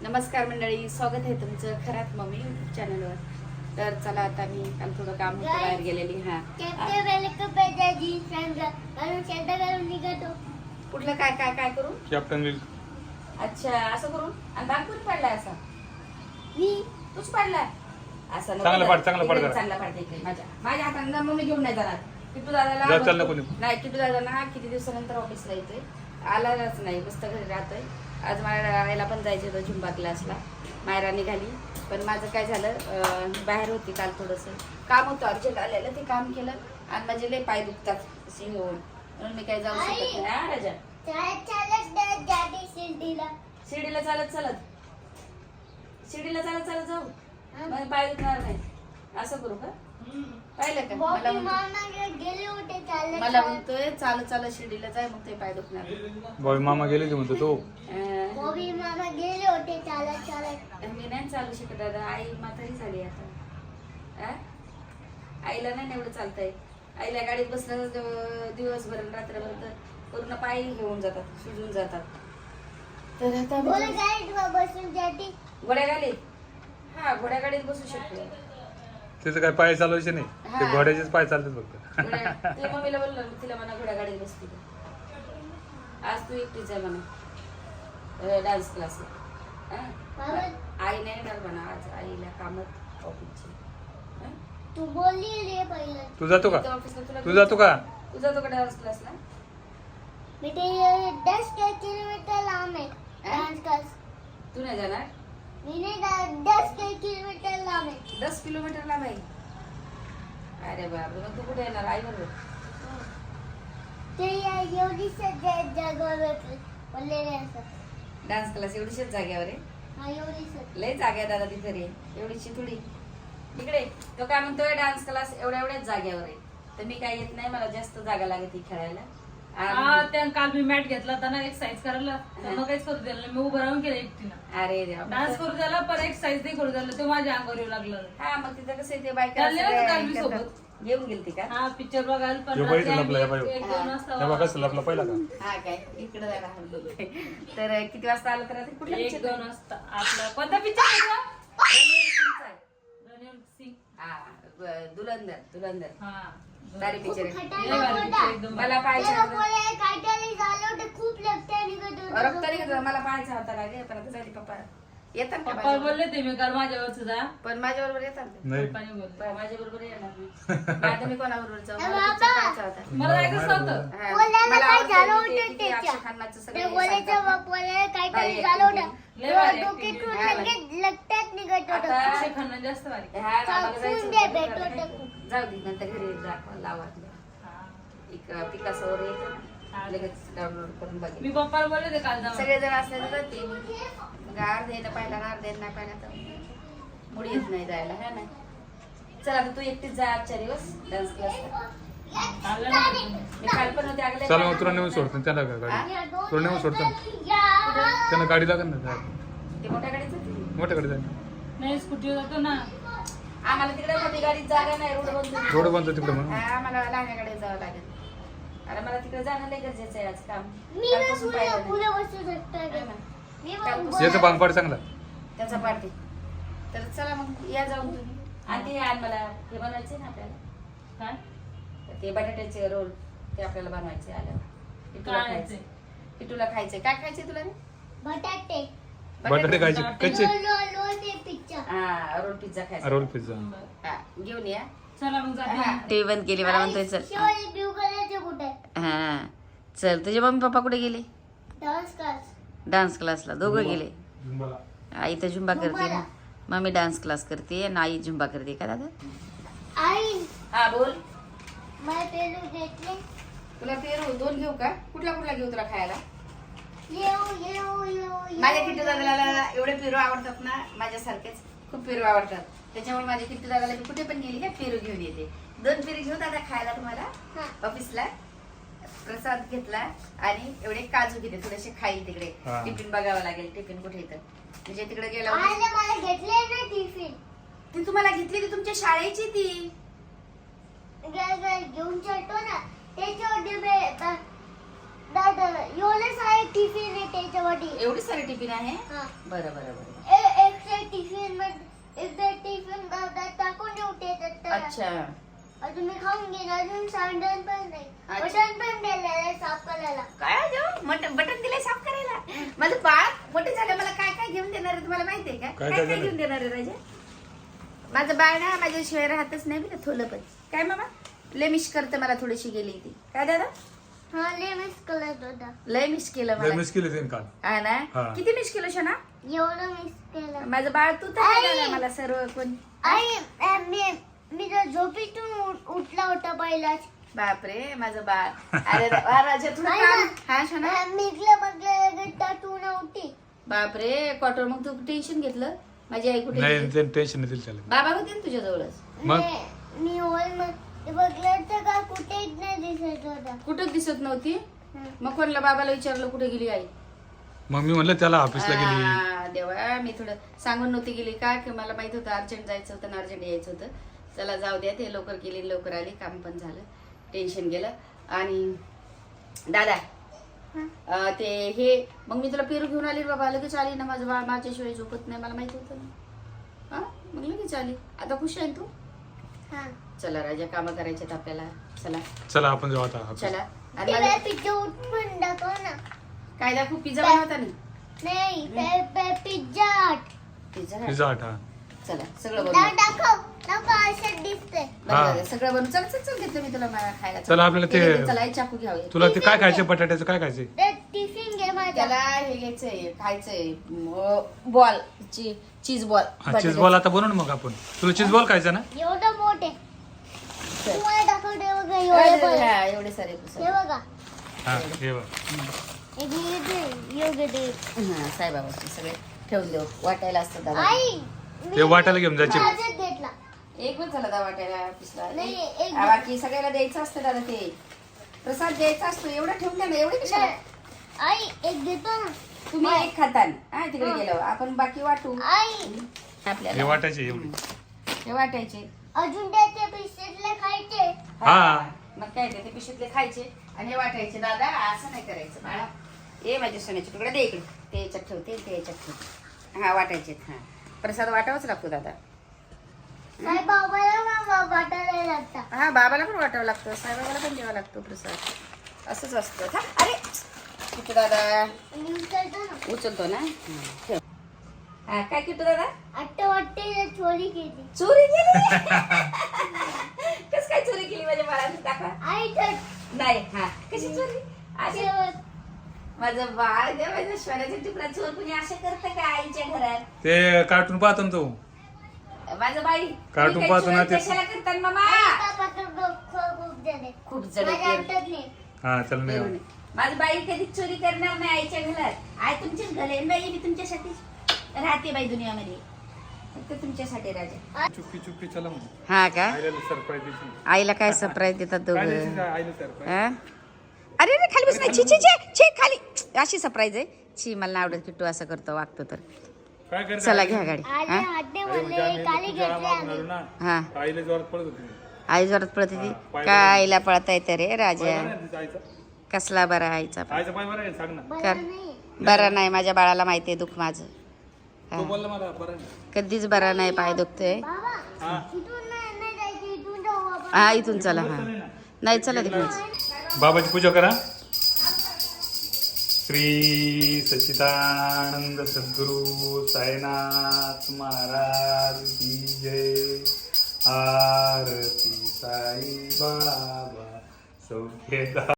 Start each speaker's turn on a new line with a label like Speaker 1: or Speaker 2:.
Speaker 1: नमस्कार मंडळी, स्वागत आहे तुमचं खरात मम्मी चॅनलवर. तर चला आता मी काल थोडं काम होतं बाहेर गेलेली. कुठलं काय काय काय करू
Speaker 2: कॅप्टन विल.
Speaker 1: अच्छा असं करून आणि दाग कोणी पाडलाय असा? तूच पाडलाय असं नको.
Speaker 2: चांगला पाड, चांगला पाड
Speaker 1: इकडे
Speaker 2: जरा.
Speaker 1: चांगला पाडते इकडे. माझ्या हाताने मम्मी घेऊन नाही जाणार. किट्टू
Speaker 2: जा,
Speaker 1: दादाला
Speaker 2: चाललं कोणी.
Speaker 1: नाही, किट्टू दादा किती दिवसानंतर ऑफिसला येतोय, आलाच नाही, मस्त घरी राहतोय. आज मायराला पण जायचं होतं झुंबा क्लासला. मायरा निघाली, पण माझं काय झालं, बाहेर होती काल थोडंसं काम होतं अर्जंट आलेलं, ते काम केलं आणि माझे लय पाय दुखतात असे होऊन, म्हणून मी काय जाऊ शकत नाही. हा राजा, शिर्डीला चालत चालत शिर्डीला चालत चालत जाऊ, मग पाय दुखणार नाही. असं करू का? पाहिलं का? मला म्हणतोय चालत चालत शिर्डीला जाय, मग ते पाय दुखणार.
Speaker 2: बॉबी मामा गेले ते म्हणतो तो.
Speaker 1: मी नाही चालू शकत दादा, आई म्हातारी झाली आता. आईला नाही एवढं चालतंय. आईला गाडीत बसलं दिवसभर रात्रभर तर पूर्ण पाय घेऊन जातात, सुजून जातात. तर आता घोड्या गाडीत, हा घोड्या गाडीत बसू शकतो.
Speaker 2: त्याचं काय पाय चालवायचे नाही, ते
Speaker 1: हा.
Speaker 2: घोड्याचेच पाय चालतात फक्त.
Speaker 1: ते मम्मीला बोललो तिला म्हणा घोड्या गाडीत बसते. आज तू एकटीच आहे म्हणा डान्स क्लासला. आई नाही येणार म्हणा आज, आईला कामात ऑफिसची.
Speaker 3: तू बोलली रे पहिलं.
Speaker 2: तू जातो का?
Speaker 1: ऑफिसला
Speaker 2: तू जातो का?
Speaker 1: तू जातो का डान्स क्लासला?
Speaker 3: बेटे 10 किलोमीटर लांब आहे डान्स क्लास.
Speaker 1: तू नाही जाणार?
Speaker 3: मी नाही 10 किलोमीटर लांब आहे.
Speaker 1: 10 किलोमीटर लांब आहे. अरे बापरे, मग तू कुठे येणार? आई बरोबर?
Speaker 3: ते एवढी जागेवर बोललेले असतात.
Speaker 1: डान्स क्लास एवढीशीच जाग्यावर आहे?
Speaker 3: हा एवढीच.
Speaker 1: लय जागा आहे दादा तिथे रे, एवढीशी थोडी. इकडे तो काय म्हणतोय डान्स क्लास एवढ्याच जाग्यावर आहे. तर मी काय येत नाही, मला जास्त जागा लागते खेळायला.
Speaker 4: त्या काल मी मॅट घेतला होता ना एक्सरसाइज करायला, त्यांना काहीच करू दिलं नाही. मी उभं राहून केलं एकटीनं.
Speaker 1: अरे देवा.
Speaker 4: डान्स करू द्याला पण एक्सरसाइज नाही करू द्याला, ते माझ्या अंगावर येऊ लागलं.
Speaker 1: हा मग तिथं कसं आहे, ते बायका
Speaker 4: चालले होते
Speaker 1: सगळ्या
Speaker 4: काल मी
Speaker 1: करतात.
Speaker 4: सोबत.
Speaker 1: घेऊन गेलती का?
Speaker 4: हा पिक्चर बघायला पण
Speaker 2: हे
Speaker 4: रात्री
Speaker 2: बाई लपला, हे बाई.
Speaker 4: आम्ही 1-2
Speaker 2: हे बघा कसं लपला पहिला का?
Speaker 1: हा काय इकडे जायला बोलते. तर किती वाजता आलं तर रात्री? कुठल्या picture
Speaker 4: 1-2 वाजता आपला कोणता पिक्चर
Speaker 1: रणवीर सिंगचा आहे.
Speaker 4: रणवीर सिंग.
Speaker 1: हा, दुलंदर
Speaker 4: हा
Speaker 1: तारी पिक्चर आहे.
Speaker 4: लय भारी picture एकदम.
Speaker 1: मला पाहायचा होता.
Speaker 3: काहीतरी झालं होतं, खूप रक्त निघत होतं.
Speaker 1: रक्त निघत होतं, मला पाहायचा होता लागे, पण आता झाली पप्पा येतात का
Speaker 4: पप्पा
Speaker 1: माझ्या?
Speaker 4: बोलले ते मी काल माझ्यावरच जा.
Speaker 1: पण माझ्या बरोबर येतात ते.
Speaker 2: नाही.
Speaker 4: पप्पाने बोलले
Speaker 1: माझ्या बरोबर येणार नाही. आता मी कोणाबरोबर जाऊ? मला
Speaker 3: बाबा.
Speaker 1: picture पाहायचा होता.
Speaker 4: मला जायचं नव्हतं.
Speaker 1: हा.
Speaker 3: बोलायला
Speaker 1: मला
Speaker 3: काय
Speaker 1: आवडतं
Speaker 3: झालं
Speaker 1: ते
Speaker 3: होतं
Speaker 1: किती
Speaker 3: त्याच्या?
Speaker 1: अक्षय खानचं सगळं
Speaker 3: ते
Speaker 1: हे
Speaker 3: बोलायचं
Speaker 1: सांगतात.
Speaker 3: बोलायला काहीतरी
Speaker 1: भारी
Speaker 3: झालं
Speaker 1: acting
Speaker 3: होतं.
Speaker 4: लय भारी
Speaker 3: डोक्यातून
Speaker 1: acting.
Speaker 3: लगेच रक्तात निघत
Speaker 1: आता
Speaker 3: होतं.
Speaker 4: अक्षय खन्ना जास्त भारी.
Speaker 1: हा, आम्हाला जायचं
Speaker 3: चाकून दे,
Speaker 1: होतं.
Speaker 3: भेटू टाकू.
Speaker 1: जाऊ दे, नंतर घरी दाखवा लावा.
Speaker 4: हा.
Speaker 1: पिकासोवर येतं ना, लगेच डाउनलोड करून
Speaker 4: मी
Speaker 1: बघेल.
Speaker 4: पप्पाला बोलले ते काल जाऊन.
Speaker 1: सगळेजण असले तर ते अर्धेनं पाहिला ना अर्धेनं नाही पाहिला तर मुडी येत नाही जायला. है ना? चला आता तू एकटीच जा आजच्या दिवस डान्स क्लासला.
Speaker 4: चाललं ना.
Speaker 1: मी काल पण होते अगले.
Speaker 2: चला मग तुला नेऊन सोडतो त्याला का गाडी? तुला नेऊन सोडतो त्यांना गाडी लागेल ना,
Speaker 1: ते मोठ्या गाडीच होती.
Speaker 2: मोठ्याकडे जाईल.
Speaker 4: नाही स्कूटी जातो ना.
Speaker 1: आम्हाला तिकडे मोठी गाडीत जागा नाही, रोड बंद होती.
Speaker 2: रोड बंद तिकडे म्हणून.
Speaker 1: आम्हाला लहान्या गाडीत जावं लागेल. अरे मला तिकडे जाणं लय गरजेचं आहे आज काम.
Speaker 3: मी ना
Speaker 1: कालपासून
Speaker 3: पुढे
Speaker 1: पाहिलं
Speaker 3: पुढे
Speaker 1: नाही.
Speaker 3: बसू शकतो.
Speaker 1: है ना?
Speaker 3: मी
Speaker 1: कालपासून-
Speaker 2: याचं बांगपाड चांगला.
Speaker 1: त्याचा पार्टी. तर चला मग या जाऊन तुम्ही. आणि ते आण मला हे बनवायचे ना आपल्याला,
Speaker 4: काय
Speaker 1: ते बटाट्याचे रोल, ते आपल्याला बनवायचे आल्यावर. किटूला
Speaker 4: काय
Speaker 1: खायचे. किटूला खायचे. काय खायचे तुला रे?
Speaker 3: बटाटे
Speaker 2: बटाटे खायचे कच्चे.
Speaker 3: रोल ते पिक्चर.
Speaker 1: हा, रोल पिझ्झा खायचा.
Speaker 2: Roll pizza.
Speaker 1: हा, घेऊन या.
Speaker 4: चला मग जाते.
Speaker 1: टीव्ही बंद केली, मला म्हणतोय चल.
Speaker 3: शिवाजी ब्लू कलरचे कुठे
Speaker 1: हा चल. तुझे मम्मी पप्पा कुठे गेले?
Speaker 3: Dance class.
Speaker 1: डान्स क्लासला दोघं गेले.
Speaker 2: झुंबाला.
Speaker 1: आई तर झुंबा करते ना, मम्मी डान्स क्लास करते आणि आई झुंबा करते का दादा?
Speaker 3: आई
Speaker 1: हा बोल.
Speaker 3: मला पेरू घेतले.
Speaker 1: तुला पेरू 2 घेऊ का? कुठला घेऊ तुला खायला?
Speaker 3: येऊ
Speaker 1: माझ्या किट्टू दादाला एवढे पेरू आवडतात ना, माझ्यासारखेच खूप पेरू आवडतात. त्याच्यामुळे माझ्या किट्टू दादाला मी कुठे पण गेली का पेरू घेऊन येते. 2 पेरू घेऊ दादा खायला तुम्हाला ऑफिसला. प्रसाद घेतला आणि एवढे काजू घेते, थोडेसे खाईल तिकडे.
Speaker 2: हा.
Speaker 1: टिफिन बघावं लागेल, टिफिन कुठे येतं म्हणजे तिकडे गेला.
Speaker 3: मला घेतले ना टिफिन.
Speaker 1: ती तुम्हाला घेतली ती तुमच्या शाळेची ती.
Speaker 3: घेऊन चलतो ना त्याच्यावर डबे दादा एवढे सारे टिफिन आहे त्याच्यामध्ये.
Speaker 1: एवढी सारी टिफिन आहे.
Speaker 3: हा.
Speaker 1: बरं बरं बरं.
Speaker 3: एकदा टिफिन मध्ये एकदा टिफिन दादा टाकून ठेवते त्यात.
Speaker 1: अच्छा.
Speaker 3: अजून मी खाऊन घेईन. अजून सांडण पण नाही.
Speaker 1: अच्छा.
Speaker 3: बटन पण दिलेलं आहे साफ करायला.
Speaker 1: काय बटन दिलंय साफ करायला. माझं बाळ मोठे झालं, मला काय काय घेऊन देणार आहे तुम्हाला माहितीये का?
Speaker 2: काय
Speaker 1: काय
Speaker 2: काय
Speaker 1: काय
Speaker 2: देणार?
Speaker 1: घेऊन देणार आहे राजा? माझं बाळ ना माझ्याशिवाय राहतच नाही बरं, थोलं पण. काय मामा लय मिस करते मला, थोडीशी गेली ती. काय दादा?
Speaker 3: हा लय मिस करत होता.
Speaker 1: लय मिस केलं
Speaker 2: लय
Speaker 1: मला.
Speaker 2: मिस केली त्यांनी काल.
Speaker 1: हा ना.
Speaker 2: हा.
Speaker 1: किती मिस केलं शना?
Speaker 3: एवढं मिस केलं.
Speaker 1: माझं बाळ तू तर
Speaker 3: आई.
Speaker 1: नाही मला सर्व कोण.
Speaker 3: आई मी तर झोपेतून उठला होता पहिलाच.
Speaker 1: बापरे माझं बाळ. अरे वा, राजा तुला
Speaker 3: आई
Speaker 1: काम.
Speaker 3: ना.
Speaker 1: हा शना.
Speaker 3: निघलं मग टाटू नव्हती.
Speaker 1: बापरे क्वार्टर, मग तू टेन्शन घेतलं. माझी आई कुठे
Speaker 2: नाही
Speaker 1: गेली?
Speaker 2: त्यांनी टेन्शन नाही दिलं त्याला.
Speaker 1: बाबा होते ना तुझ्या जवळच.
Speaker 2: मग?
Speaker 3: मी हॉल मध्ये बघलं तर का कुठेच नाही दिसत होता.
Speaker 1: कुठंच दिसत नव्हती. मग कोणला बाबाला विचारलं कुठे गेली आई?
Speaker 2: मग मी म्हणलं त्याला ऑफिसला गेली.
Speaker 1: आ, देवा मी थोडं सांगून नव्हती गेली का, की मला माहित होतं अर्जंट जायचं होतं आणि अर्जंट यायचं होतं. चला जाऊ द्या, ते लवकर गेली लवकर आली, काम पण झालं, टेन्शन गेलं. आणि दादा ते हे मग मी तुला पेरू घेऊन आली रे बाबा, लगेच आली ना. माझं बाळ माझ्याशिवाय झोपत नाही, मला माहित होतं ना. हा मग लगेच आली. आता खुश आहे ना तू?
Speaker 3: हा.
Speaker 1: चला राजा, कामं करायच्यात आपल्याला. चला
Speaker 2: चला आपण जाऊ आता office.
Speaker 1: चला. आणि
Speaker 3: ते
Speaker 1: मला-
Speaker 3: पिझ्झा उठून दाखव ना.
Speaker 1: काय दाखवू? पिझ्झा बनवता नाही?
Speaker 3: नाही Pizza Hut.
Speaker 1: Pizza
Speaker 2: Pizza Hut, हा.
Speaker 1: चला सगळं बनवू.
Speaker 3: दाखव असं दिसतंय.
Speaker 1: बरं,
Speaker 2: हा.
Speaker 1: बरं, सगळं बनवू. चल चल चल, घेतलं मी तुला मला खायला.
Speaker 2: चला, आपल्याला ते-
Speaker 1: चला एक चाकू घ्यावे.
Speaker 2: तुला ते काय खायचे, बटाट्याचं काय खायचे?
Speaker 3: ते टिफिन घे माझा.
Speaker 1: त्याला हे घ्यायचंय, खायचंय बॉल, चीज बॉल.
Speaker 2: हा चीज बॉल आता बनवू ना मग आपण. तुला चीज बॉल खायचा ना?
Speaker 3: एवढं मोठे तुम्हाला दाखवते बघा. एवढे बघ.
Speaker 1: एवढे सारे
Speaker 3: हे बघा.
Speaker 2: हा हे बघ.
Speaker 3: एक योग्य ते.
Speaker 1: साईबाबाचे सगळे ठेवून देऊ, वाटायला असतं दादा.
Speaker 3: आई
Speaker 2: ते वाटायला घेऊन जायचे.
Speaker 3: माझ्यात घेतला.
Speaker 1: एक पण झाला दादा वाटायला ऑफिसला.
Speaker 3: नाही, एक-
Speaker 1: बाकी सगळ्याला द्यायचं असतं दादा, ते प्रसाद द्यायचा असतो. एवढं ठेवून द्या ना, एवढे कशाला?
Speaker 3: आई एक घेतो ना.
Speaker 1: तुम्ही एक खातान हा, तिकडे गेल्यावर आपण बाकी वाटू.
Speaker 3: आई
Speaker 2: हे
Speaker 1: आपल्याला
Speaker 2: वाटायचे एवढे.
Speaker 1: हे वाटायचे.
Speaker 3: अजून त्याचे पिसेटले खायचे.
Speaker 2: हा.
Speaker 1: मग काय ते पिशवीतले खायचे आणि हे वाटायचे. दादा असं नाही करायचं बाळा. ये माझ्या सोन्याचे तुकडे दे इकडे. ते याच्यात ठेवते, ते याच्यात ठेवते. हा वाटायचे. हा प्रसाद वाटावाच लागतो दादा.
Speaker 3: साईबाबाला ना वाटायला लागतात.
Speaker 1: हा बाबाला पण वाटावं लागतं, साईबाबाला पण द्यावा लागतो प्रसाद. असंच असतं. हा अरे किटू दादा
Speaker 3: आणि उचलतो ना.
Speaker 1: उचलतो ना. ठेव. हा काय किटू दादा?
Speaker 3: आत्ता वाटते चोरी केली.
Speaker 1: चोरी केली? कस काय चोरी केली माझ्या बाळाने? दाखवा.
Speaker 3: आई तर
Speaker 1: नाही. हा कशी चोरी? अशी
Speaker 3: शेवट.
Speaker 1: माझं बाळ द्या, माझ्या श्वानाचा तुकडा चोर कुणी असं करतं का आईच्या घरात?
Speaker 2: ते कार्टून पाहतो ना तू.
Speaker 1: माझं बाई
Speaker 2: कार्टून
Speaker 1: तुम्ही
Speaker 2: पाहतो
Speaker 1: काही
Speaker 2: ना
Speaker 1: चोरी
Speaker 2: ते.
Speaker 1: कशाला करतात मामा?
Speaker 3: खूप जण
Speaker 1: खूप जण
Speaker 3: माझ्या
Speaker 1: आहेत.
Speaker 3: हातात नाही.
Speaker 2: हा चल नाही.
Speaker 1: माझी बाई कधी चोरी करणार नाही आईच्या घरात. आई तुमचीच घर आहे बाई, मी तुमच्यासाठी राहते बाई दुनियामध्ये, फक्त तुमच्यासाठी राजा.
Speaker 2: चुपकी चुपकी चला मग.
Speaker 1: हा का?
Speaker 2: आईला सरप्राईज द्यायची.
Speaker 1: आईला काय सरप्राईज देतात
Speaker 2: काय
Speaker 1: दोघं?
Speaker 2: द्यायची आईला सरप्राईज?
Speaker 1: हा? अरे अरे खाली बस नाही. छी छी छी छी, खाली. अशी सरप्राईज आहे. छी मला नाही आवडत किट्टू असं करतो, वागतो तर.
Speaker 2: काय करणार?
Speaker 1: चला घ्या गाडी.
Speaker 3: आले
Speaker 1: हा?
Speaker 3: हाते
Speaker 2: अरे म्हणजे
Speaker 3: म्हणले
Speaker 2: आम्ही
Speaker 3: काली
Speaker 2: तुझ्या
Speaker 3: घेतले
Speaker 2: मागून
Speaker 3: आम्ही.
Speaker 2: आलो ना.
Speaker 1: हा
Speaker 2: आईला जोरात पळत होती.
Speaker 1: आई जोरात पळत होती.
Speaker 2: पाय
Speaker 1: काय आईला पळता येतं रे राजा?
Speaker 2: पाय बरा आहे तिचा आईचा?
Speaker 1: कसला बरा आईचा पण.
Speaker 2: आईचा पाय बरा आहे सांग ना.
Speaker 3: बरं
Speaker 1: कर.
Speaker 3: नाही.
Speaker 1: बरा नाही, माझ्या बाळाला माहिती आहे दुःख माझं. हा.
Speaker 2: तो बोलला मला बरा आहे.
Speaker 1: कधीच बरा नाही, पाय दुखतोय.
Speaker 3: बाबा
Speaker 2: हा.
Speaker 3: इथून नाही जायचं. इथून जाऊ आपण.
Speaker 1: हा इथून चला. हा नाही चला तिकडे.
Speaker 2: बाबाची पूजा करा. श्री सच्चिदानंद सद्गुरु साईनाथ महाराज की जय. आरती साई बाबा सौख्यदा